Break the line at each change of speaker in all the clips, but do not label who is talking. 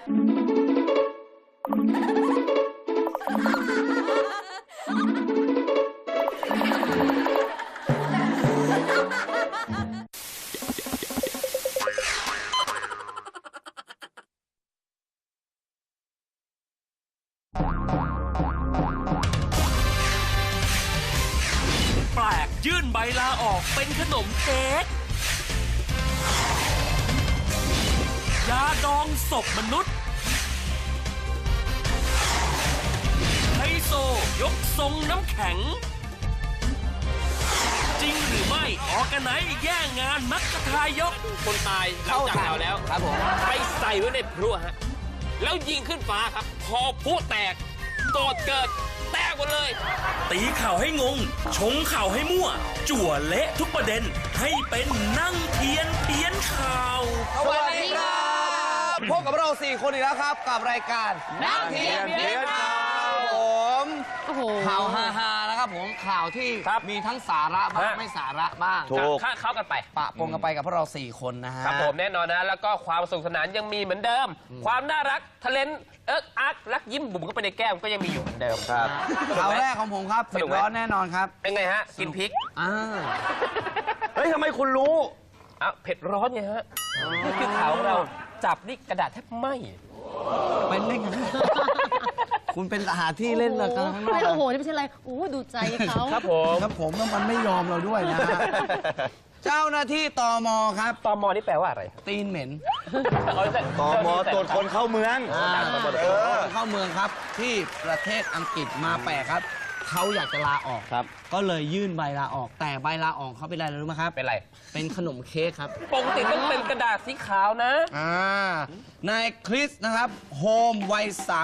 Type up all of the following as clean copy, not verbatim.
แปลกยื่นใบลาออกเป็นขนมเค้กยาดองศพมนุษย์ไฮโซยกทรงน้ำแข็งจริงหรือไม่ออร์แกไนซ์แย่งงานมักกะทายก
คนตายหลังจากเราแล้ว
ครับผม
ไปใส่ไว้ในพลุฮะแล้วยิงขึ้นฟ้าครับพอพลุแตกโกรธเกิดแตกหมดเลย
ตีข่าวให้งงชงข่าวให้มั่วจั่วเละทุกประเด็นให้เป็นนั่งเทียนข่าว
สวัสดีครับพบกับเรา4 คนอีกแล้วครับกับรายการ
นั่งเทียนข่าว
ผมข่าวฮาๆนะครับผมข่าวที่มีทั้งสาระบ้างไม่สาระบ้าง
เข้ากันไป
ปะปนกันไปกับพวกเรา4 คนนะฮะ
ครับผมแน่นอนนะแล้วก็ความสนุกสนานยังมีเหมือนเดิมความน่ารักทะเลนอักรักยิ้มบุ๋มเข้าไปในแก้มก็ยังมีอยู่เหมือนเดิม
ครับข่าวแรกของผมครับเผ็ดร้อนแน่นอนครับ
เป็นไงฮะกินพริก
เฮ้ยทำไมคุณรู้
เผ็ดร้อนไงฮะนี่คือข่าวเราจับนี่กระดาษแทบไหม้
เป็นได้ไงคุณเป็นทหารที่เล่นเลยกันข้างนอก
โอ้โหนี่ไม่ใช่อะไรโอ้ดูใจเขา
ครับผม
แล้วมันไม่ยอมเราด้วยนะเจ้าหน้าที่ตม.ครับ
ตม.นี่แปลว่าอะไร
ตีนเหม็น
ตม.ตรวจคนเข้าเมือง
เข้าเมืองครับที่ประเทศอังกฤษมาแปลกครับเขาอยากจะลาออกครับก็เลยยื่นใบลาออกแต่ใบลาออกเขาเป็นอะไรรู้ไหมครับ
เป็นอะไร
เป็นขนมเค้กครับ
ปกติต้องเป็นกระดาษสีขาวนะ
นายคริสนะครับโฮมวัย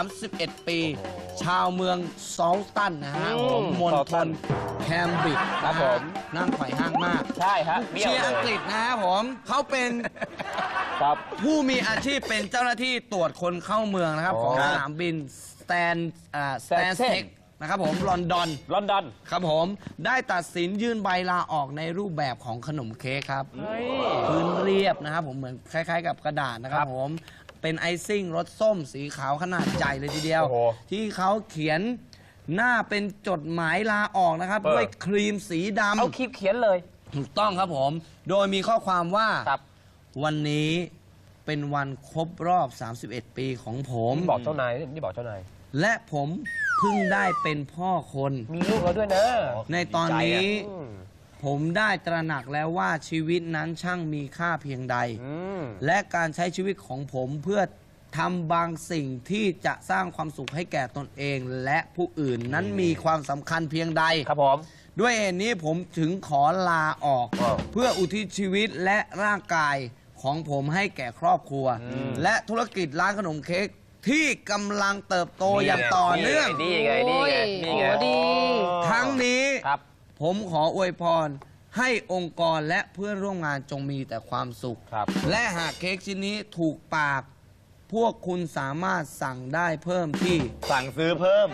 31 ปีชาวเมืองซอลตันนะฮะมณฑลแคมบริดจ์
ครับผม
นั่งไขว่ห้างมาก
ใช่ฮะ
เชียร์อังกฤษนะฮะผมเขาเป็นผู้มีอาชีพเป็นเจ้าหน้าที่ตรวจคนเข้าเมืองนะครับของสนามบินสแตนเทคนะครับผมลอนดอนครับผมได้ตัดสินยื่นใบลาออกในรูปแบบของขนมเค้กครับพื้นเรียบนะครับผมเหมือนคล้ายๆกับกระดาษนะครับผมเป็นไอซิ่งรสส้มสีขาวขนาดใหญ่เลยทีเดียวที่เขาเขียนหน้าเป็นจดหมายลาออกนะครับด้วยครีมสีดำ
เอาครีมเขียนเลย
ถูกต้องครับผมโดยมีข้อความว่าวันนี้เป็นวันครบรอบ31 ปีของผม
บอกเจ้านายนี่บอกเจ้านาย
และผมเพิ่งได้เป็นพ่อคน
มีลูกแล้วด้วยนะ
ในตอนนี้ผมได้ตระหนักแล้วว่าชีวิตนั้นช่างมีค่าเพียงใดและการใช้ชีวิตของผมเพื่อทำบางสิ่งที่จะสร้างความสุขให้แก่ตนเองและผู้อื่นนั้นมีความสำคัญเพียงใด
ครับผม
ด้วยเหตุนี้ผมถึงขอลาออกเพื่ออุทิศชีวิตและร่างกายของผมให้แก่ครอบครัวและธุรกิจร้านขนมเค้กที่กำลังเติบโตอย่างต่อเนื่อง
นี่ไง
ทั้งนี้ผมขออวยพรให้องค์กรและเพื่อนร่วมงานจงมีแต่ความสุขและหากเค้กชิ้นนี้ถูกปากพวกคุณสามารถสั่งได้เพิ่มที่
สั่งซื้อเพิ่ม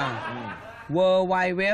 www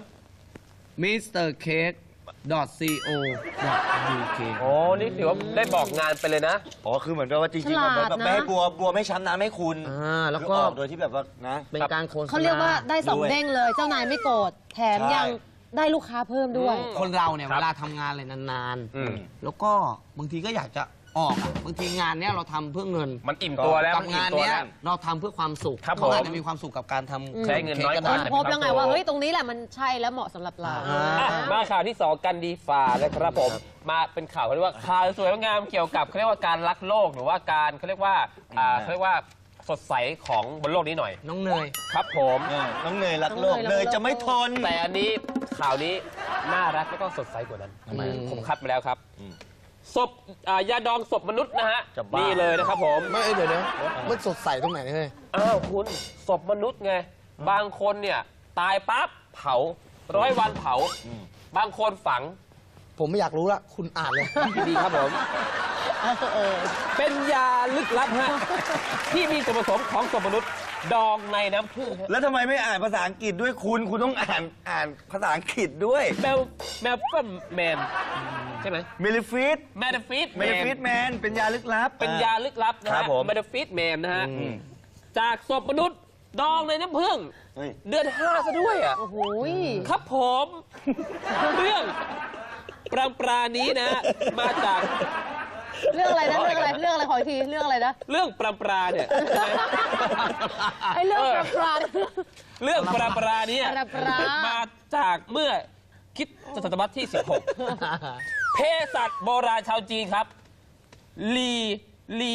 mrcake.co.uk
โอ้นี่ถือว่าได้บอกงานไปเลยนะ
คือเหมือนว่าจริงๆแบบไม่ให้บัวไม่ช้ำน้ำให้คุณ
แล้วก็
โดยที่แบบว่านะ
เป็นการโฆษณา
เขาเรียกว่าได้2 เด้งเลยเจ้านายไม่โกรธแถมยังได้ลูกค้าเพิ่มด้วย
คนเราเนี่ยเวลาทำงานอะไรนานๆแล้วก็บางทีก็อยากจะออกบางทีงานเนี้ยเราทำเพื่อเงิน
มันอิ่มตัวแล้ว
กับงานเนี้ยเราทำเพื่อความสุขเขาอาจจะมีความสุขกับการทำ
ใช้เงินน้อยกว่า
พบแล้วไงว่าเฮ้ยตรงนี้แหละมันใช่แล้วเหมาะสำหรับเรา
มาข่าวที่2กันดีฝ่าเลยครับผมมาเป็นข่าวเขาเรียกว่าข่าวสวยงามเกี่ยวกับเขาเรียกว่าการรักโลกหรือว่าการเขาเรียกว่าสดใสของบนโลกนี้หน่อย
น้องเนย
ครับผม
น้องเนยรักโลกเนยจะไม่ทน
แต่อันนี้ข่าวนี้น่ารักแล้วก็สดใสกว่านั้นผมคัดมาแล้วครับศพยาดองศพมนุษย์นะฮะนี่เลยนะครับผม
ไม่เดี๋ยวนะมันสดใสตรงไหนเนี่ย
คุณศพมนุษย์ไงบางคนเนี่ยตายปั๊บเผา100 วันเผาบางคนฝัง
ผมไม่อยากรู้ละคุณอ่านเลย
ดีครับผมเป็นยาลึกลับฮะที่มีส่วนผสมของศพมนุษย์ดองในน้ำผึ้ง
แล้วทำไมไม่อ่านภาษาอังกฤษด้วยคุณต้องอ่านภาษาอังกฤษด้วย
แมวก็แมนใช่ไหม
เมลิฟิต
แมดฟิต
เมลิฟิตแมนเป็นยาลึกลับ
เป็นยาลึกลับนะ
ครั
ฮะ
บผม
แมดฟิตแมนนะฮะจากศพมนุษย์ดองในน้ำผึ้ง
เฮ้ย
เดือน5ซะด้วยอ่ะ
โอ้โหย
ครับผมเรื่องปรานี้นะ มาจาก
เรื่องอะไรนะเรื่องอะไรขออีกทีเรื่องอะไรนะ
เรื่องปราเนี่ย
ไอ้เรื่องปลา
เรื่องปรานี้
ปรา
มาจากเมื่อคิดศตวรรษที่ 16 เภสัชโบราณชาวจีนครับ ลี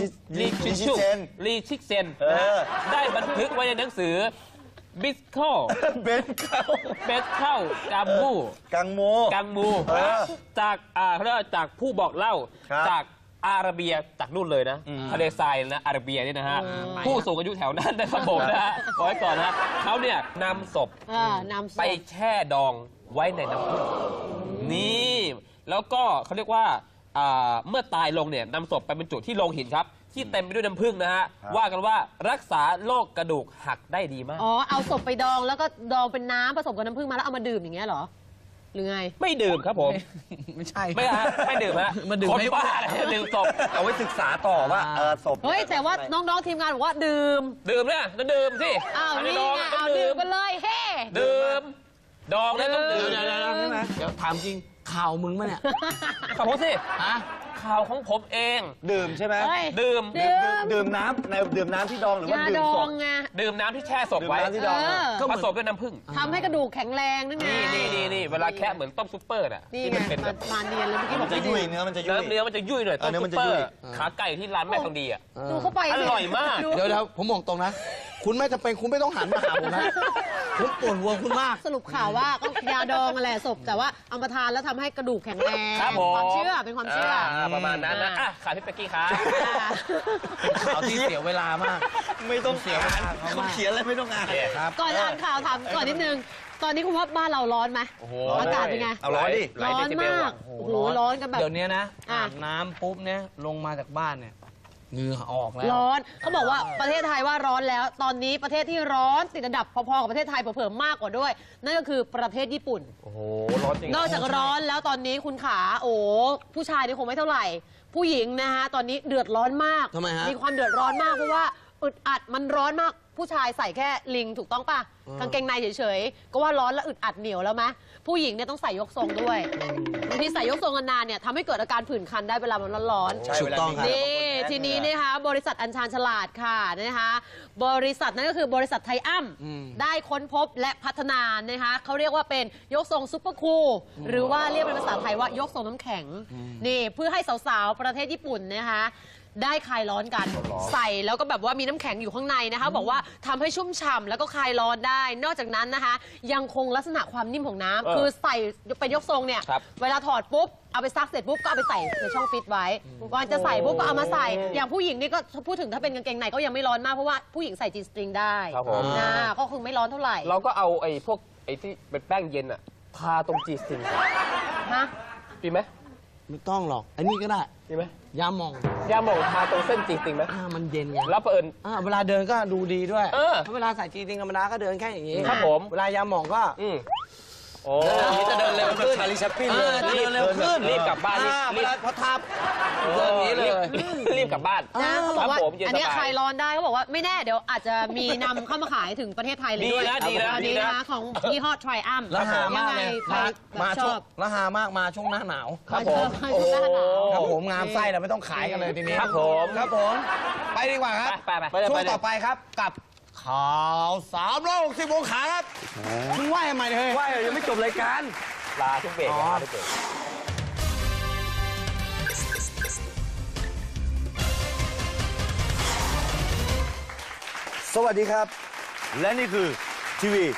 ชิกเซนนะฮะได้บันทึกไว้ในหนังสือบิสเข้า
เบนเข้า
กัมมู จากเขาเรียกว่าจากผู้บอกเล่า
ครับ
จากอาระเบียจากนู่นเลยนะทะเลทรายนะอาระเบียนี่นะฮะผู้สูงอายุแถวนั้นนะครับผมนะฮะขอไว้ก่อนนะฮะเขาเนี่ยนำศพ
นำศพ
ไปแช่ดองไว้ในน้ำผึ้งนี่แล้วก็เขาเรียกว่าเมื่อตายลงเนี่ยนำศพไปบรรจุที่โลงหินครับ ที่เต็มไปด้วยน้ำผึ้งนะฮะว่ากันว่ารักษาโรคกระดูกหักได้ดีมาก
อ๋อเอาศพไปดองแล้วก็ดองเป็นน้ำผสมกับน้ำผึ้งมาแล้วเอามาดื่มอย่างเงี้ยเหรอหรือไง
ไม่ดื่มครับผม
ไม่ใช่
ไม่ฮะไม่ดื่มฮะ
มาดื่ม
คน
ให้
บ้าอะไรจะดื่มศพ
เอาไว้ศึกษาต่อว่าศพ
เฮ้ยแต่ว่าน้องๆทีมงานบอกว่าดื่ม
ดื่มเนี่ยต้องดื่มสิ
อ้าว
อั
นี่
ดอง
ไง
ต้อ
เอา
ง
ดื่
ดื่
ม
ม
กันเลยเฮ้
ดื่มดองเนี่ยต้องดื่ม
เดี๋ยวถามจริงข่าวมึงมั้ยเนี่ย
ขอบคุณสิ
ฮะ
ข่าวของผมเอง
ดื่มใช่ไหม
เฮ้ย
ดื่ม
ดื่มน้ำที่ดองหรือว่าย
า
ดื่
ด
ม
อ
ศ
ง
พ
ไง
ดื่มน้ำที่แช่ศพไว้
ดื่มน้ำที่ดอง
ก็เห
ผ
มือน
สมด้วยน้ำผึ้ง
ทำให้กระดูกแข็งแรงนั่นไง
นี่เวลาแคะเหมือนต้มซุปเปอร์น่ะ
นี่
ที่
ไง
มันเป็นแบบ
มาเนียนเลยเมื่อกี้บ
มั
อน ก
จะ
ไม่
ยุ่ย
ดื่ม
เนื้อมันจะยุ่ย
เนื้อมันจะยุ่ยหน่อยต้ม
เนื้อ
ซุ
มัน
ป
จะ
เปอ
ยุ่ย
ร์ขาไก่ที่ร้านแม่ทองดีอ่ะ
ดูเข้าไป
อ
สิ
ร่อยมาก
ดู
เดี๋ยวผมบอกตรงนะ คุณไม่จำเป็นคุณไม่ต้องหันมาหาผมนะผมปวดหัวคุณมาก
สรุปข่าวว่าก็ยาดองนั่นแหละศพแต่ว่าเอามาทานแล้วทำให้กระดูกแข็งแรง
ครับผม
ความเชื่อเป็นความเชื่อ
ประมาณนั้นนะอ่ะข่าวพี่เป๊กกี้ครับ
เป็นข่าวที่เสียเวลามาก
ไม่ต้องเสีย
เขา
เขา
มาก
เขียนอะไรไม่ต้องอ่าน
ครับ
ก่อนอ่านข่าวถามก่อนนิดนึง ตอนนี้คุณว่าบ้านเราร้อนไหม
โอ้โห
อากาศเป็นไง
เอาร้อนดิ
หลาย
ร้อน
เดซิเบล
มาก
อะ
โอ้โหร้อนกันแบบ
เดี๋ยวนี้นะ
อ่ะ
อาบน้ำปุ๊บเนี่ยลงมาจากบ้านเนี่ยเหงื่อออกแล้ว
ร้อนเขาบอกว่าประเทศไทยว่าร้อนแล้ว ตอนนี้ประเทศที่ร้อนติดอันดับพอๆกับประเทศไทยเผื่อๆมากกว่าด้วย นั่นก็คือประเทศญี่ปุ่น
โอ้โหร้อนจริง
นอกจากร้อนแล้วตอนนี้คุณขาโอ้ผู้ชายนี่คงไม่เท่าไหร่ ผู้หญิงนะฮะตอนนี้เดือดร้อนมาก
ทำไมฮะ
มีความเดือดร้อนมากเพราะว่าอึดอัดมันร้อนมาก ผู้ชายใส่แค่ลิงถูกต้องป่ะกางเกงในเฉยๆก็ว่าร้อนแล้วอึดอัดเหนียวแล้วไหมผู้หญิงเนี่ยต้องใส่ยกทรงด้วยบางทีใส่ยกทรงนานๆเนี่ยทำให้เกิดอาการผื่นคันได้เวลามันร้อนๆ
ใช่
ถูกต้องครับ
นี่ทีนี้นะคะบริษัทอัญชันฉลาดค่ะนะคะบริษัทนั้นก็คือบริษัทไทยอ้ำได้ค้นพบและพัฒนานะคะเขาเรียกว่าเป็นยกทรงซุปเปอร์คูลหรือว่าเรียกเป็นภาษาไทยว่ายกทรงน้ำแข็งนี่เพื่อให้สาวๆประเทศญี่ปุ่นนะคะได้คลายร้อนกันใส่แล้วก็แบบว่ามีน้ำแข็งอยู่ข้างในนะคะบอกว่าทำให้ชุ่มฉ่ำแล้วก็คลายร้อนได้ นอกจากนั้นนะคะ ยังคงลักษณะความนิ่มของน้ำคือใส่เป็นยกทรงเนี่ย
ครับ
เวลาถอดปุ๊บ เอาไปซักเสร็จปุ๊บ ก็เอาไปใส่ในช่องฟิตไว้ก่อนจะใส่ปุ๊บ ก็เอามาใส่ อย่างผู้หญิงนี่ก็พูดถึงถ้าเป็นกางเกงในก็ยังไม่ร้อนมาก เพราะว่าผู้หญิงใส่จีสตริงได้
ครับผม
นะก็คือไม่ร้อนเท่าไหร่
เราก็เอาไอ้พวกไอ้ที่เป็นแป้งเย็นอะทาตรงจีสติง
ฮะ
ดีไหม
ไม่ต้องหรอกอันนี้ก็ได้
ดีไหม
ยาหมอง
ยาหมองทาตรงเส้นจีสติงไหม
มันเย็นไง
แล้วเผอิญ
เวลาเดินก็ดูดีด้วย
เออ
ถ้าเวลาใส่จีติงธรรมดาก็เดินแค่อย่างนี้
ครับผม
เวลายาหมองก็
โอ้ยจะเดินเร็วขึ้น
ชาลีแชปปิ้น
เอ
เลย
อจะเดินเร็วขึ้น
รีบกลับบ้านรีบ
เวลาพอทับเดินอย่างนี้เลย
รีบกลับบ้าน
นะเขาบอกว่า
ครับผมเย็น
อันเนี้ย
สบาย
คลายร้อนได้เขาบอกว่าไม่แน่เดี๋ยวอาจจะมีนำเข้ามาขายถึงประเทศไทยเลยด้วย
ดีนะ
อันนี้
ดีนะ
นะคะของยี่ห้อ Triumph
แล้วหามากเลย
ยังไงใครแบบ
มา
ช
ช่ว
อง บ
แล้วหามากมาช่วงหน้าหนาว
ครับผม
มาช่วงหน้าหนาว
ครับผมงามไส้เราไม่ต้องขายกันเลยทีนี้
ครับผม
ครับผม ไปดีกว่าครับ
ไป
ช่วงต่อไปครับกับข่าว360องศาครับมึงไหวทำไมเนี่ยเฮ้ย
ว่ายังไม่จบรายการ
ลาทุกเบรก
อ๋อ
ลาทุกเบรก
สวัสดีครับ และนี่คือทีวี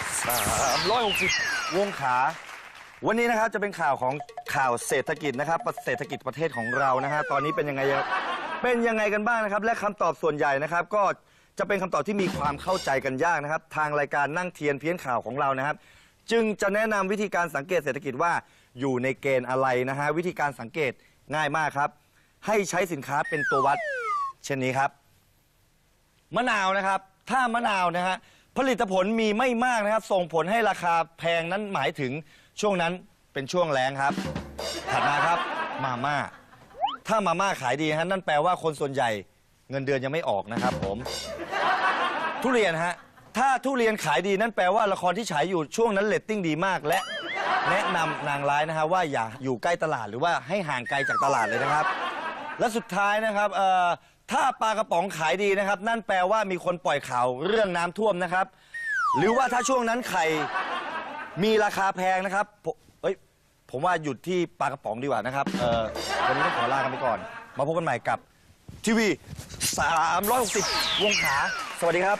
360วงขา วันนี้นะครับจะเป็นข่าวของข่าวเศรษฐกิจนะครับเศรษฐกิจประเทศของเรานะฮะตอนนี้เป็นยังไงกันบ้างนะครับ และคำตอบส่วนใหญ่นะครับ ก็จะเป็นคำตอบที่มีความเข้าใจกันยากนะครับ ทางรายการนั่งเทียนเพี้ยนข่าวของเรานะครับ จึงจะแนะนำวิธีการสังเกตเศรษฐกิจว่าอยู่ในเกณฑ์อะไรนะฮะวิธีการสังเกตง่ายมากครับ ให้ใช้สินค้าเป็นตัววัด เช่นนี้ครับ มะนาวนะครับถ้ามะนาวนะฮะผลิตผลมีไม่มากนะครับส่งผลให้ราคาแพงนั้นหมายถึงช่วงนั้นเป็นช่วงแล้งครับถัดมาครับมาม่าถ้ามาม่าขายดีฮะนั่นแปลว่าคนส่วนใหญ่เงินเดือนยังไม่ออกนะครับผมทุเรียนฮะถ้าทุเรียนขายดีนั่นแปลว่าละครที่ฉายอยู่ช่วงนั้นเรตติ้งดีมากและแนะนำนางร้ายนะฮะว่าอย่าอยู่ใกล้ตลาดหรือว่าให้ห่างไกลจากตลาดเลยนะครับและสุดท้ายนะครับถ้าปลากระป๋องขายดีนะครับนั่นแปลว่ามีคนปล่อยข่าวเรื่องน้ำท่วมนะครับหรือว่าถ้าช่วงนั้นไข่มีราคาแพงนะครับผมว่าหยุดที่ปลากระป๋องดีกว่านะครับวันนี้ต้องขอลากันไปก่อนมาพบกันใหม่กับทีวี360 วงขาสวัสดีครับ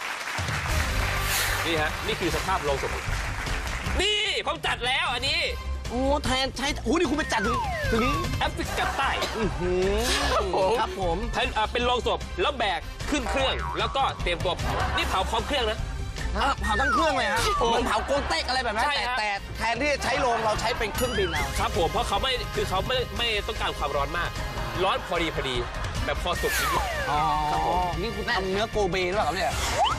นี่ฮะนี่คือสภาพโรงศพนี่ผมจัดแล้วอันนี้
โอ้แทนใช้โอ้นี่คุณไปจัดถึง
แอฟริกาใต้
ครับผม
เป็นโรงศพแล้วแบกขึ้นเครื่องแล้วก็เตรียมตัวเผานี่เผาพร้อมเครื่องนะ
เผาทั้งเครื่องเลยฮะเหมือนเผาโกนเต็กอะไรแบบนั้นแต่แทนที่จะใช้โรงเราใช้เป็นเครื่องบินเอา
ครับผมเพราะเขาไม่ต้องการความร้อนมากร้อนพอดีแบบพอสุกนิด
อ๋อนี่คุณทำเนื้อโกเบหรือเปล่าครับเนี่ย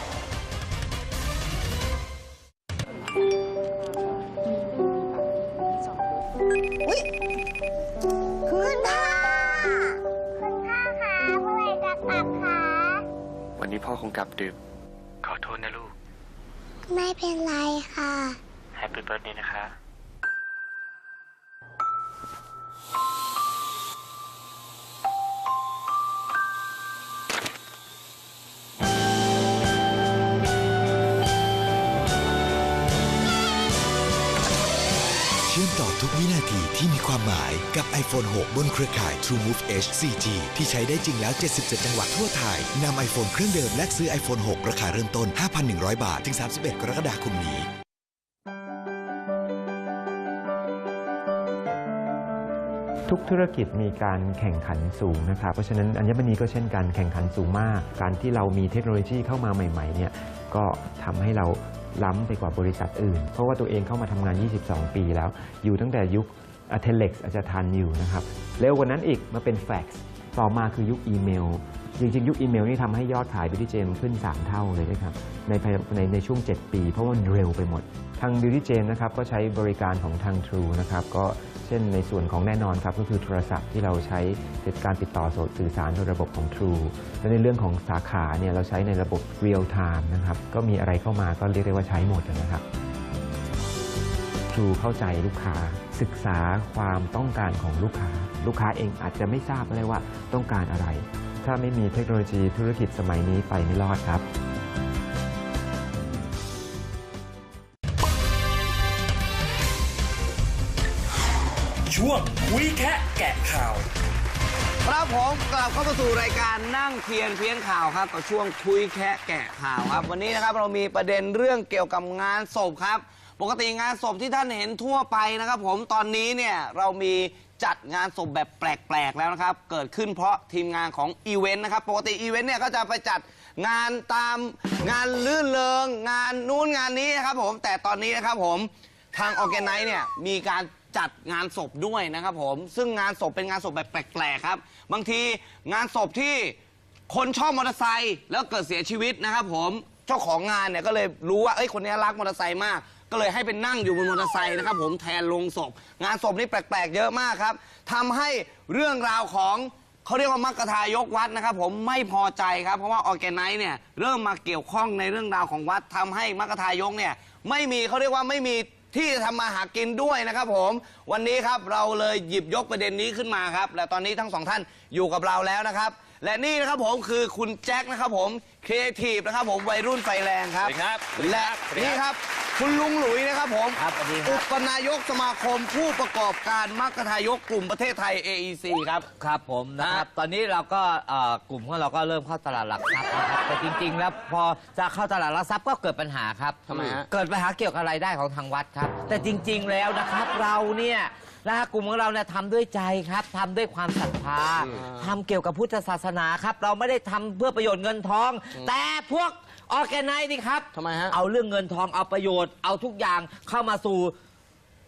คุณพ่อคะเมื่อไหร่จะกลับคะ
วันนี้พ่อคงกลับดึกขอโทษนะลูก
ไม่เป็นไรค่ะ
แฮปปี้เบิร์ธเดย์นะคะ
เชื่อมต่อทุกวินาทีที่มีความหมายกับ iPhone 6 บนเครือข่าย TrueMove H 4G ที่ใช้ได้จริงแล้ว 77 จังหวัดทั่วไทยนำ iPhone เครื่องเดิมและซื้อ iPhone 6 ราคาเริ่มต้น 5,100 บาทถึง 31 กรกฎาคมนี้
ทุกธุรกิจมีการแข่งขันสูงนะครับเพราะฉะนั้นอัญมณีก็เช่นกันแข่งขันสูงมากการที่เรามีเทคโนโลยีเข้ามาใหม่ๆเนี่ยก็ทำให้เราล้ำไปกว่าบริษัทอื่นเพราะว่าตัวเองเข้ามาทำงาน22ปีแล้วอยู่ตั้งแต่ยุคเทเลกซ์อาจจะทันอยู่นะครับเร็วกว่านั้นอีกมาเป็นแฟกซ์ต่อมาคือยุคอีเมลจริงๆยุคอีเมลนี่ทำให้ยอดขาย Beauty Gem ขึ้น3 เท่าเลยนะครับในช่วง7ปีเพราะว่ามันเร็วไปหมดทาง Beauty Gem นะครับก็ใช้บริการของทาง True นะครับก็เช่นในส่วนของแน่นอนครับก็คือโทรศัพท์ที่เราใช้การติดต่อสื่อสารโดยระบบของ True และในเรื่องของสาขาเนี่ยเราใช้ในระบบ Real Time นะครับก็มีอะไรเข้ามาก็เรียกได้ว่าใช้หมดนะครับ True เข้าใจลูกค้าศึกษาความต้องการของลูกค้าเองอาจจะไม่ทราบเลยว่าต้องการอะไรถ้าไม่มีเทคโนโลยีธุรกิจสมัยนี้ไปไม่รอดครับ
ช่วงคุยแคะแกะข่าว
ครับผมกลับเข้าสู่รายการนั่งเพียนข่าวครับกับช่วงคุยแคะแกะข่าวครับวันนี้นะครับเรามีประเด็นเรื่องเกี่ยวกับงานศพครับปกติงานศพที่ท่านเห็นทั่วไปนะครับผมตอนนี้เนี่ยเรามีจัดงานศพแบบแปลกๆแล้วนะครับเกิดขึ้นเพราะทีมงานของอีเวนต์นะครับปกติอีเวนต์เนี่ยก็จะไปจัดงานตามงานลื่นเริงงานนู้นงานนี้นะครับผมแต่ตอนนี้นะครับผมทางออร์แกไนซ์เนี่ยมีการจัดงานศพด้วยนะครับผมซึ่งงานศพเป็นงานศพแบบแปลกๆครับบางทีงานศพที่คนชอบมอเตอร์ไซค์แล้วเกิดเสียชีวิตนะครับผมเจ้าของงานเนี่ยก็เลยรู้ว่าคนนี้รักมอเตอร์ไซค์มากก็เลยให้เป็นนั่งอยู่บนมอเตอร์ไซค์นะครับผมแทนโลงศพงานศพนี่แปลกๆเยอะมากครับทำให้เรื่องราวของเขาเรียกว่ามัคคทายกวัดนะครับผมไม่พอใจครับเพราะว่าออร์แกไนซ์เนี่ยเริ่มมาเกี่ยวข้องในเรื่องราวของวัดทำให้มัคคทายกเนี่ยไม่มีเขาเรียกว่าไม่มีที่จะทำมาหากินด้วยนะครับผมวันนี้ครับเราเลยหยิบยกประเด็นนี้ขึ้นมาครับและตอนนี้ทั้งสองท่านอยู่กับเราแล้วนะครับและนี่นะครับผมคือคุณแจ็คนะครับผมครีเอทีฟนะครับผมวัยรุ่นไฟแรงครับและนี่ครับคุณลุงหลุยนะครับผมอุปนายกสมาคมผู้ประกอบการมัคคทายกกลุ่มประเทศไทย AEC ครับ
ครับผมนะครับตอนนี้เราก็กลุ่มของเราก็เริ่มเข้าตลาดหลักทรัพย์นะครับแต่จริงๆแล้วพอจะเข้าตลาดหลักทรัพย์ก็เกิดปัญหาครับ
ทำไมฮะ
เกิดปัญหาเกี่ยวกับรายได้ของทางวัดครับแต่จริงๆแล้วนะครับเราเนี่ยกลุ่มของเราเนี่ยทำด้วยใจครับทำด้วยความศรัทธาทำเกี่ยวกับพุทธศาสนาครับเราไม่ได้ทำเพื่อประโยชน์เงินทองแต่พวกออร์แกไนซ์นี่ครับ
ทำไมฮะ
เอาเรื่องเงินทองเอาประโยชน์เอาทุกอย่างเข้ามาสู่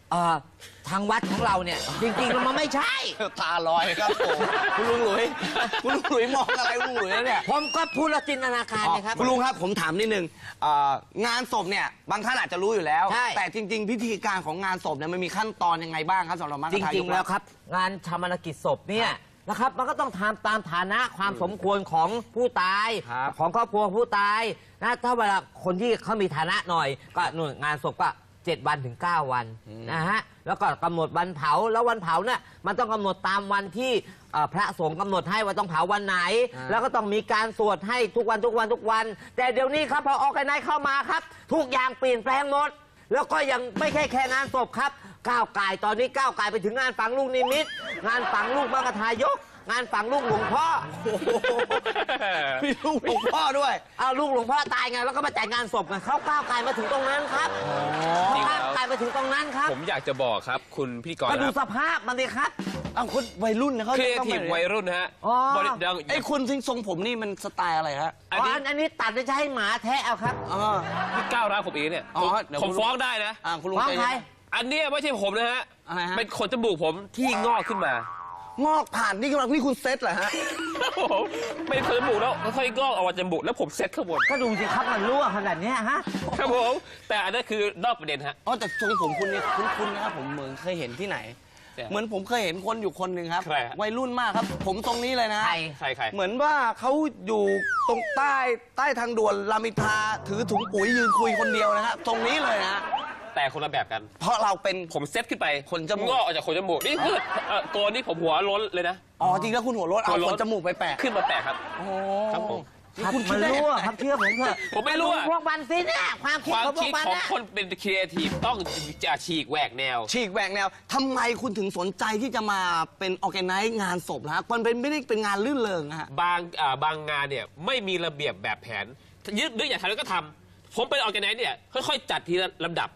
ทางวัดของเราเนี่ยจริงๆแล้วมันไม่ใช่
ตาลอยครับผมคุณลุงหลุยคุณลุงหลุยมองอะไรคุณลุงหลุยเนี่ย
ผมก็พูดและจินตนาการนะครับ
คุณลุงครับผมถามนิดนึงงานศพเนี่ยบางท่านอาจจะรู้อยู่แล้ว
ใช่
แต่จริง ๆ พิธีการของงานศพเนี่ยมันมีขั้นตอนยังไงบ้างครับสำหรับมัค
จ
คทายก
ริงๆแล้วครับ งานชาปนกิจศพเนี่ยนะครับมันก็ต้องทำตามฐานะความสมควรของผู้ตาย
ครับ
ของครอบครัวผู้ตายนะถ้าเวลาคนที่เขามีฐานะหน่อย ก็หน่วยงานศพก็7 วันถึง 9 วันนะฮะแล้วก็กำหนดวันเผาแล้ววันเผาเนี่ยมันต้องกำหนดตามวันที่พระสงฆ์กำหนดให้ว่าต้องเผาวันไหน แล้วก็ต้องมีการสวดให้ทุกวัน แต่เดี๋ยวนี้ครับพอออกไกนเข้ามาครับทุกอย่างเปลี่ยนแปลงหมด แล้วก็ยังไม่ใช่แค่งานศพครับก้าวไก่ตอนนี้ก้าวไก่ไปถึงงานฝังลูกนิมิตงานฝังลูกมังคทายกงานฝังลูกหลวงพ่อ
มีลูกหลวงพ่อด้วย
เอาลูกหลวงพ่อตายไงแล้วก็มาจัดงานศพไงเขาก้าวไก่มาถึงตรงนั้นครับเขาก้าวไก่มาถึงตรงนั้นครับ
ผมอยากจะบอกครับคุณพิธีกร
มาดู
ครับ
สภาพมันดิครับ
อ้าวคุณวัยรุ่นนะเขา
ครีเอ
ต้อง
ทีฟ
ไป
วัยรุ่นฮะ
อ๋อ
บริดัง
ไอ้คุณทรงผมนี่มันสไตล์อะไรฮะ
อันนี้
อันนี้ตัดจะให้หมาแทะเอาครับ
พี่ก้าวร้าวผมเองเนี่ย
อ๋อ
ผม
เดี๋ยว
ผม
คุณ
ฟ้องได้นะ
คุณลุง
ฟ้อง
ใจ
ใคร
เย็น
อันเนี้ยไม่ใช่ผมนะฮะ
อะไรฮะ
เป็นขนจมูกผมที่งอกขึ้นมา
งอกผ่านนี่กำลังนี่คุณเซตเหรอฮะ
ผมเป็นขนจมูกแล้วค่อยๆงอกออกมาจมูกแล้วผมเซ็ตข้างบน
ก็ดูสิครับมันรั่วขนาดเนี้ยฮะ
ครับผมแต่อันนั้นคือนอกประเด็นฮะ
อ๋อแต่ทรงผมคุณเนี่ยคุ้นๆนะครับผมเหมือนเคยเห็นที่ไหน เหมือนผมเคยเห็นคนอยู่คนหนึ่งครับ
ใครฮะ
วัยรุ่นมากครับ ผมทรงนี้เลยนะ
ใคร
เหมือนว่าเขาอยู่ตรงใต้ทางด่วนรามอินทราถือถุงปุ๋ยยืนคุยคนเดียวนะครับตรงนี้เลยนะ
แต่คนละแบบกัน
เพราะเราเป็น
ผมเซ็ตขึ้นไป
ขนจมูก
งอกออกจากขนจมูกนี่คือโกนนี่ผมหัวล้นเลยนะ
อ๋อจริงแล้วคุณหัวรถเอา
หัวโล้
ข
น
นจมูกไปแปะ
ขึ้นมาแปะครับ
โอ้
ครับผม
นี่
ครับ
คุณคิ
มั
ด
น
ได้
รั่ว
ยังไง
ครับเชื่อผมเถอะ
ผมไม่รั่ว
พวกมันสิเนี่ยความคิด
ความ
ของพว
คิ
ก
ด
มัน
ของ
นะ
คนเป็นครีเอทีฟต้องจะฉีกแหวกแนว
ฉีกแหวกแนวทำไมคุณถึงสนใจที่จะมาเป็นออร์แกไนซ์งานศพนะฮะมันเป็นไม่ได้เป็นงานลื่นเริงนะฮะ
บางงานเนี่ยไม่มีระเบียบแบบแผนยึดนึกอยากทำแล้วก็ทำผมเป็นออร์แกไนซ์เนี่ยค่อยๆจัดทีละลำดับ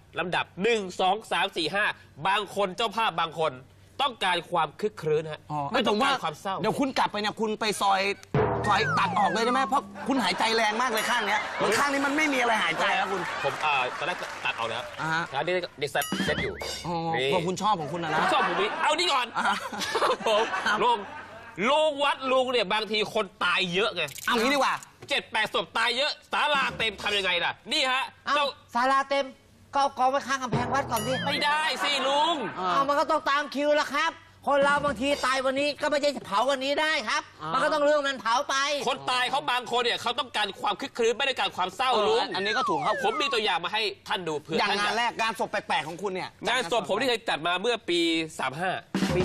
1 2 3 4 5บางคนเจ้าภาพบางคนต้องการความคึกครื้นฮะไม่ต้องการความเศร้า
เดี๋ยวคุณกลับไปเนี่ยคุณไปซอยตัดออกเลยได้ไหมเพราะคุณหายใจแรงมากเลยข้างเนี้ยเหมือนข้างนี้มันไม่มีอะไรหายใจแล้วคุณ
ผมตอนแรกตัดเอานะครับ
ฮะ
แล้วเด็กเซ็ตอยู่
อ๋อ
นี่
เพราะคุณชอบของคุณนะ
ผม
นะ
ชอบผมนี้เอานี่ก่อน
อ่า
ผมลุงวัดลุงเนี่ยบางทีคนตายเยอะไง
เอางี้ดีกว่า
7-8 ศพตายเยอะศาลาเต็มทำยังไงล่ะ นี่ฮะ
เอา
เจ้า
ศาลาเต็มก็เอากองไว้ข้างกำแพงวัดก่อนดิ
ไม่ได้สิลุง
เอามันก็ต้องตามคิวแล้วครับ คนเราบางทีตายวันนี้ก็ไม่ใช่เผาวันนี้ได้ครับ มันก็ต้องเรื่องนั้นเผาไป
คนตายเขาบางคนเนี่ยเขาต้องการความคึกครื้นไม่ได้การความเศร้าลุง
อันนี้ก็ถูกครับ
ผมมีตัวอย่างมาให้ท่านดูเผื่อ
อย่าง
ท่
งาน
จะ
แรกงานศพแปลกๆของคุณเนี่ย
งานศพผมที่เคยจัดมาเมื่อปี
ปี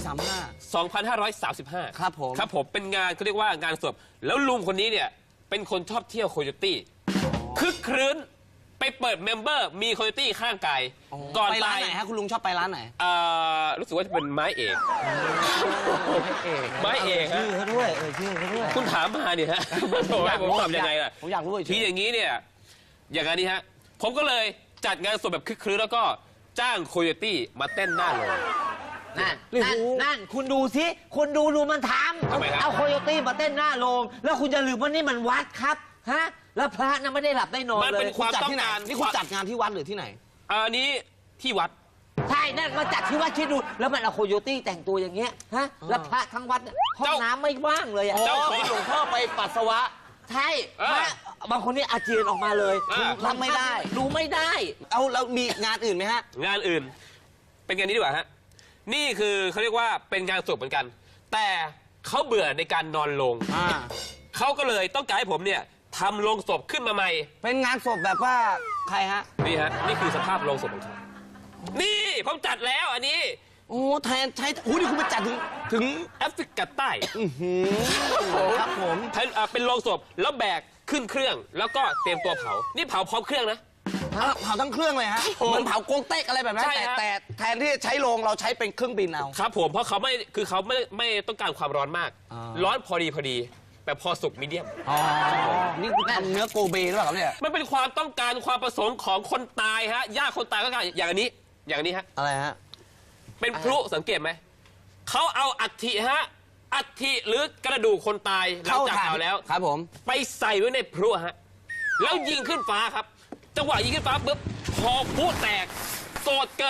2535
ครับผม
ครับผมเป็นงานเขาเรียกว่างานศพแล้วลุงคนนี้เนี่ยเป็นคนชอบเที่ยวโคโยตี้คึกครื้นไปเปิดเมมเบอร์มีโคโยตี้ข้างกาย
35
ก่อน
ไปร้า
ตาน ย
ไหนฮะคุณลุงชอบไปร้านไหน
รู้สึกว่าจะเป็นไม้เอกไม้เอกฮะ
ชื่อเขาด้วยชื่อเขาด้วย
คุณถามมาเนี่ยฮะโอ้ยผมทำยังไงล่ะ
ผมอยากรู้เฉยๆ
ทีอย่างนี้เนี่ยอย่างนี้ฮะผมก็เลยจัดงานศพแบบคึกครื้นแล้วก็จ้างโคโยตี้มาเต้นหน้าโรง
นั่นคุณดูสิคุณดูมันท
ทำไมครับ
ำเอาโคโยตี้มาเต้นหน้าโรงแล้วคุณจะลืมว่านี่มันวัดครับฮะแล้วพระน่ะไม่ได้หลับได้นอน
มัน
เล
เป็
ย
นความ
จัด
ต้อง
ที่ไหน
การ
นี่คุณจัดงานที่วัดหรือที่ไหน
อันนี้ที่วัด
ใช่นั่นมาจัดที่วัดคิดดูแล้วมันเอาโคโยตี้แต่งตัวอย่างเงี้ยฮะแล้วพระทั้งวัดเนี่ยห้องน้ำไม่ว่างเลยอะ
เจ้าของ
หลวงพ่อไปปัสสาวะ
ใช่พระบางคนนี่อาเจียนออกมาเลย
รับไม่ได้
ดูไม่ได้
เอาแล้วมีงานอื่นไหมฮะ
งานอื่น เป็นงานนี้ดีกว่าฮะนี่คือเขาเรียกว่าเป็นงานศพเหมือนกัน แต่เขาเบื่อในการนอนโรงเขาก็เลยต้องการให้ผมเนี่ยทำโรงศพขึ้นมาใหม่
เป็นงานศพแบบว่าใครฮะ
นี่ฮะนี่คือสภาพโรงศพของเขานี่ผมจัดแล้วอันนี้
โอ้แทนใช้โอ้นี่คุณไปจัดถึง
แอฟริกาใต้
ครับผม
เป็นโรงศพแล้วแบกขึ้นเครื่อง แล้วก็เตรียมตัวเผานี่เผาพร้อมเครื่องนะ
เผาทั้งเครื่องเลยฮะเหมือนเผาโกงเต็กอะไรแบบนั้น
ใช่ฮะ
แต่แทนที่จะใช้โรงเราใช้เป็นเครื่องบินเอา
ครับผมเพราะเขาไม่ต้องการความร้อนมาก ร้อนพอดีแต่พอสุกมีเดียม
นี่คุณทำเนื้อโกเบหรือเปล่าครับเนี่ย
มันเป็นความต้องการความประสงค์ของคนตายฮะญาติคนตายก็การอย่างนี้ฮะ
อะไรฮะ
เป็นพลุสังเกตไหมเขาเอาอัฐิฮะอัฐิหรือกระดูกคนตายหลังจากเผาแล้ว
ครับผม
ไปใส่ไว้ในพลุฮะแล้วยิงขึ้นฟ้าครับจังหวะยิงขึ้นฟ้าปุ๊บพอพลุแตกโสดเกิด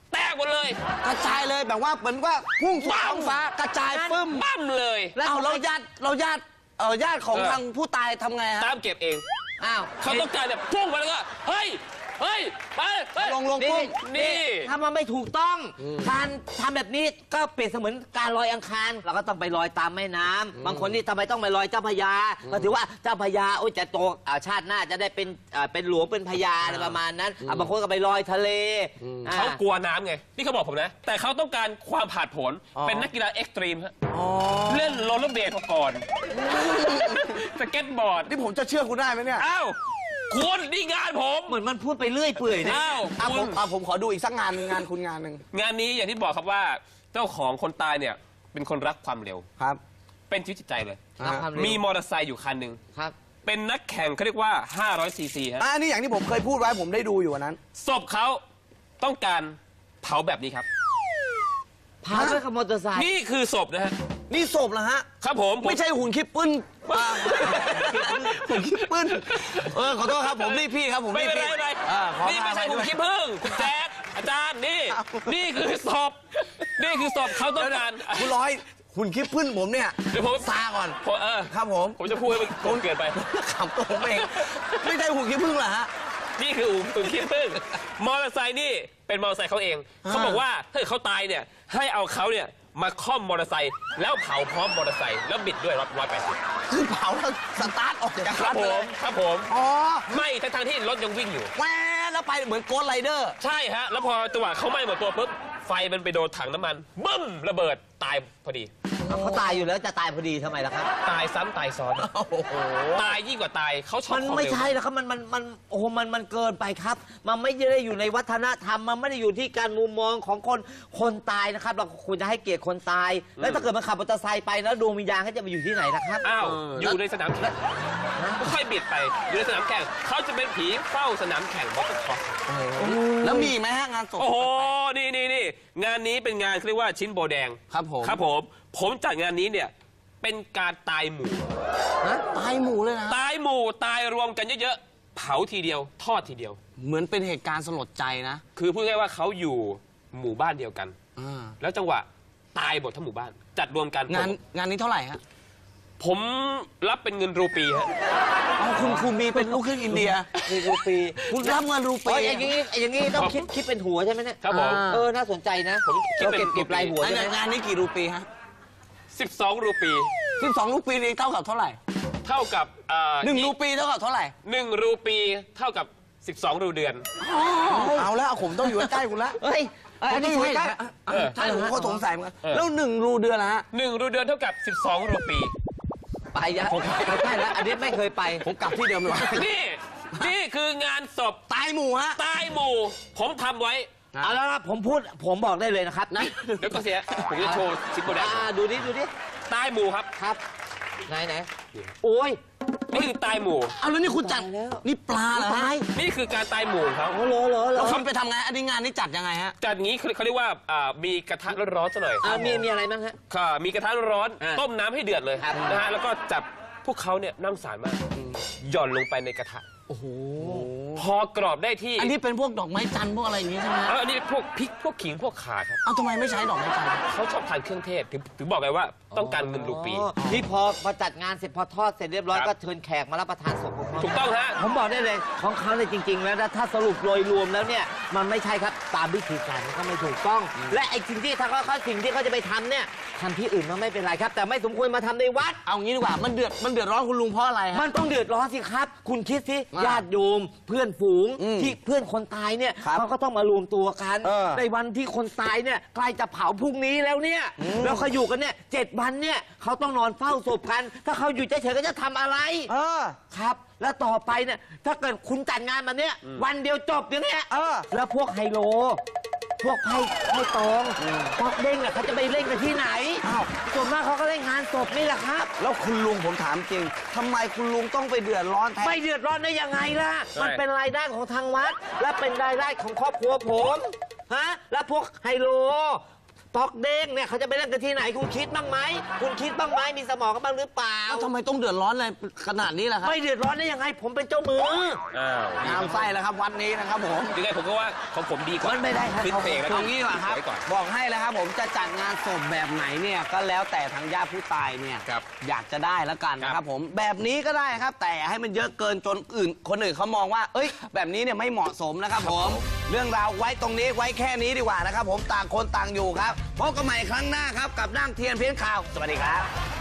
แตกหมดเลย
กระจายเลยแบบว่าเหมือนว่าพุ่งสู่ท้องฟ้ากระจายปึ้ม
ปั้มเลย
แล้วเราญาติของทางผู้ตายทำไงฮะ
ตามเก็บเอง
อ้าว
เขาต้องการแบบพุ่งไปแล้วก็เฮ้ยไปเฮ้ย
ลง
นี่
ปุ๊บ
นี่
ถ้ามันไม่ถูกต้องการทำแบบนี้ก็เปรียบเสมือนการลอยอังคารเราก็ต้องไปลอยตามแม่น้ำบางคนนี่ทำไมต้องไปลอยเจ้าพระยาก็ถือว่าเจ้าพระยาโอ้ยจะโตชาติหน้าจะได้เป็นหลวงเป็นพญาอะไรประมาณนั้นบางคนก็ไปลอยทะเล
เขากลัวน้ำไงนี่เขาบอกผมนะ แต่เขาต้องการความผาดโผนเป็นนักกีฬาเอ็กซ์ตรีมฮะเล่นโรลเลอร์เบลดมาก่อนสเก็ตบอร์ด
นี่ผมจะเชื่อคุณได้ไหมเนี่ย
อ้าวคุณนี่งานผม
เหมือนมันพูดไปเรื่อยเปื่อยนะ
อ้าวคุณ
ผมขอดูอีกสักงานหนึ่งงานคุณงานหนึ่ง
งานนี้อย่างที่บอกครับว่าเจ้าของคนตายเนี่ยเป็นคนรักความเร็ว
ครับ
เป็นชีวิตจิตใจเลย
รักความเร็ว
มีมอเตอร์ไซค์อยู่คันหนึ่ง
ครับ
เป็นนักแข่งเขาเรียกว่า500 ซีซีฮะ
อันนี้อย่างที่ผมเคยพูดไว้ผมได้ดูอยู่วันนั้น
ศพเขาต้องการเผาแบบนี้ครับ
พาด้วยกับมอเตอร์ไซค์
นี่คือศพนะฮะ
นี่ศพเหรอฮะ
ครับผม
ไม่ใช่หุ่นคิปปึ้นหุ่นคิปปึ้นขอโทษครับผมรีบพี่ครับผม
ไม่
รีบ
เป็นไร
พี่
ไม่เป็นไร
ขอ
นี่ไม่ใช่
อภัย
หุ่น
ด้วย
ขี้ผึ้งคุณแจ๊ดอาจารย์นี่ นี่คือศพนี่คือศพเขาต้องการ
คุณร้อยหุ่นคิปปึ้นผมเนี่ย
เดี๋ยวผม
ซาก่อน ครับผม
ผมจะพูดให้มันโกงเกินไป
ขำตัวผมเองไม่ใช่หุ่นคิปปึ้งเหรอฮะ
นี่คือหุ่นขี้ผึ้งมอเตอร์ไซค์นี่เป็นมอเตอร์ไซค์เขาเอง เขาบอกว่าถ้าเขาตายเนี่ยให้เอาเขาเนี่ยมาค่อมมอเตอร์ไซค์แล้วเผาพร้อมมอเตอร์ไซค์แล้วบิดด้วย180
คือเผาแล้วสตาร์ทออกจาก
ค
รั
รั
ด
บผ
เล
ม
ย
ครับผม
อ๋อ
ไม่ทั้งที่รถยังวิ่งอยู่
แหวแล้วไปเหมือนโกสต์ไรเดอร์
ใช่ฮะ แล้วพอจังหวะเขาไหม้หมดตัวปุ๊บไฟมันไปโดนถังน้ำมันบึ้มระเบิดตายพอดี
เขาตายอยู่แล้วจะตายพอดีทำไมล่ะครับ
ตายซ้ำตายซ้อน
โอ้โห
ตายยิ่งกว่าตายเขาชอบ
มัน
ความ
ไม่
เร็ว
ใช่แล้วครับมันโอ้โหมันเกินไปครับ มันไม่ได้อยู่ในวัฒนธรรมมันไม่ได้อยู่ที่การมุมมองของคนตายนะครับ เราควรจะให้เกียรติคนตาย แล้วถ้าเกิดมันขับมอเตอร์ไซค์ไปแล้วดวงวิญญาณเขาจะไปอยู่ที่ไหนนะครับ
อ้าวอยู่ในสนามแข่งค่อยบิดไปอยู่ในสนามแข่งเขาจะเป็นผีเฝ้าสนามแข่งมอเตอร์คอร์ส
แล้วมีอีกไหมฮะงานศพ
โอ้โหนี่งานนี้เป็นงานเขาเรียกว่าชิ้นโบแดง
ครับผม
ครับผมจัดงานนี้เนี่ยเป็นการตายหมู่
ตายหมู่เลยนะ
ตายหมู่ตายรวมกันเยอะๆเผาทีเดียวทอดทีเดียว
เหมือนเป็นเหตุการณ์สลดใจนะ
คือพูดง่ายๆว่าเขาอยู่หมู่บ้านเดียวกัน
อ่า
แล้วจังหวะตายหมดทั้งหมู่บ้าน จัดรวมกัน
งานนี้เท่าไหร่ฮะ
ผมรับเป็นเงินรูปีฮะ
เอาคุณมีเป็นลูกครึ่งอินเดีย
มีรูปี
คุณรับเงินรูปี
อย่างนี้ต้องคิดเป็นหัวใช่ไหมเนี่ย
ครับผม
น่าสนใจนะ
ผมคิด
เรา
เป็น
เก็บรายหัว
อัน
ใช่ไหม
นี้งานนี้กี่รูปีฮะ
12 รูปี
12รูปีนี่เท่ากับเท่าไหร่
เท่ากับ
1รูปีเท่ากับเท่าไหร่
1 รูปีเท่ากับ 12 รูเดือน
เอาแล้วผมต้องอยู่ใกล้คุณละ
เฮ้ยอันนี้ใช่เหรอ
ใช่ผมก็สงสัยเหมือนกันแล้ว1รูเดือนละฮะ
1 รูเดือนเท่ากับ 12 รูปี
ไปยะไม่ใช่แล้วอันนี้ไม่เคยไป
ผมกลับที่เดิมเลยว่ะ
นี่คืองานศพ
ตายหมู่ฮะ
ตายหมู่ ผมทำไว้
เอาแล้วครับผมบอกได้เลยนะครับนะ
เดี๋ยวก็เสีย ผมจะโชว์ชิ้นโบแดง
ดูดิ
ตายหมู่ครับ
ครับ ไหนโอ้ย
นี่คือตายหมู่
เอาแล้วนี่คุณจัด
ตายแล้ว
นี่ปลาเหรอฮะ
นี่คือการตายหมู่ของเขา
โอ้เหรอ
แล้วคุณไปทำไงอันนี้งานนี้จัดยังไงฮะ
จัดงี้เขาเรียกว่ามีกระทะร้อนๆซะหน่อย
มีอะไรบ้างฮะ
ค่ะมีกระทะร้อน
อ่ะ
ต้มน้ำให้เดือดเลย
ครับ
นะฮะแล้วก็จับพวกเขาเนี่ยนั่งสารมากหย่อนลงไปในกระทะ
โอ้โห
พอกรอบได้ที่
อันนี้เป็นพวกดอกไม้จันทร์พวกอะไรอย่างงี้ใช่ไหมฮะ
อันนี้พวกพริกพวกขิงพวกข่าครับ
เอาทำไมไม่ใช้ดอกไม้จันทร์
เขาชอบทานเครื่องเทศถึงบอกไงว่าต้องการเงินรูปี
นี่พอจัดงานเสร็จพอทอดเสร็จเรียบร้อย
ครับ
ก็เชิญแขกมารับประทานศพของเขา
ถูกต้องฮะ
ผมบอกได้เลยของเขาเลยจริง ๆ แล้วนะถ้าสรุปโดยรวมแล้วเนี่ยมันไม่ใช่ครับตามวิธีการมันก็ไม่ถูกต้อง และไอ้สิ่งที่สิ่งที่เขาจะไปทำเนี่ยทำที่อื่นมันไม่เป็นไรครับ แต่ไม่สมควรมาทำในวัด
เอางี้ดีกว่ามันเดือดร้อนคุณลุงเพราะอะไรฮะ
มันต้องเดือดร้อนสิครับ คุณคิดสิ
อ่า
ญาติโยมเพื่อนฝูง ที่เพื่อนคนตายเนี่ย
ครับ
เขาก็ต้องมารวมตัวกัน
เออ
ในวันที่คนตายเนี่ยใกล้จะเผาพรุ่งนี้แล้วเนี่ยแล้วเขาอยู่กันเนี่ย7 วันเนี่ยเขาต้องนอนเฝ้าศพกัน ถ้าเขาอยู่เฉยๆก็จะทำอะไร ครับ แล้วต่อไปเนี่ยถ้าเกิดคุณจัดงานมาเนี่ยวันเดียวจบอย่างเนี้ยแล้วพวกไฮโล พวกไพ่ตองพวกเด้งเนี่ยเขาจะไปเล่นกันที่ไหนส่วนมากเขาก็เล่นงานศพนี่แหละครับ
แล้วคุณลุงผมถามจริงทำไมคุณลุงต้องไปเดือดร้อนแทน
ไม่เดือดร้อนได้ยังไงล่ะ
ใช่
มันเป็นรายได้ของทางวัด และเป็นรายได้ของครอบครัวผมฮะแล้วพวกไฮโลต๊อกเด้งเนี่ยเขาจะไปเล่นกันที่ไหนคุณคิดบ้างไหมคุณคิดบ้างไหมมีสมองกันบ้างหรือเปล่า
แล้วทำไมต้องเดือดร้อนอะไรขนาดนี้ล่ะครับ
ไม่เดือดร้อนได้ยังไงผมเป็นเจ้ามือ
อ้าว
งามไส้แล้วครับวัดนี้นะครับผม
ยังไงผมก็ว่าของผมดีกว่า
มันไม่ได้ครับ
ขึ้นเพลงแล้ว
ตรงนี้เหรอครับ
ไว้ก่อน
บอกให้แล้วครับผมจะจัดงานศพแบบไหนเนี่ยก็แล้วแต่ทางญาติผู้ตายเนี่ย
ครับ
อยากจะได้แล้วกันนะค
ครั
รับบ ผมแบบนี้ก็ได้ครับ แต่ให้มันเยอะเกินจนคนอื่นเขามองว่า เอ้ย แบบนี้เนี่ยไม่เหมาะสมนะครับผมเรื่องราวไว้ตรงนี้ไว้แค่นี้ดีกว่านะครับผมต่างคนต่างอยู่ครับพบกันใหม่ครั้งหน้าครับกับนั่งเทียนเพี้ยนข่าวสวัสดีครับ